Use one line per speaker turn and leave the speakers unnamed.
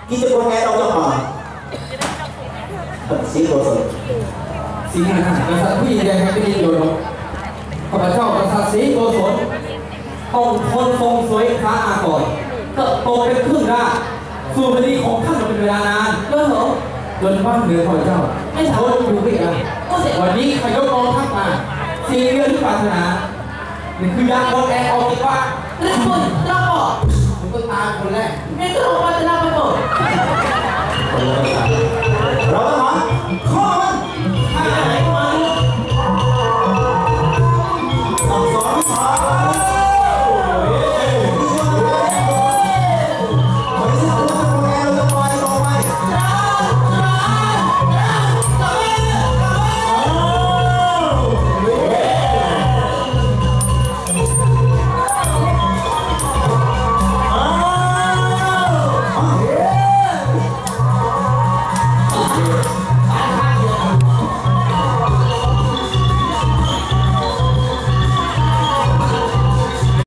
ที่จะคนแก่เราจะมาสีโกศล
สีหน้ากษัตริย์ผู้ยิ่งใหญ่แห่งแผ่นดินโยนข้าพเจ้ากษัตริย์ศรีโกศลต้องทนทรงสวยค้าอาก่อนเติบโตเป็นครึ่งร่างสู่แผ่นดินของท่านมาเป็นเวลานานเลิศเหรอจนบ้านเมืองข้าพเจ้าไม่สามารถอยู่ได้กันวันนี้ขยกกองทัพมาสิ่งเดียวที่ปรารถนานี่คือยาโอนแอร์ออกจากบ้าน
เรื่องคุณเราบอก
ผมต้องตายคนแรก
นี่ก็บอกว่าจะเล่าไปหมด
คนละตาย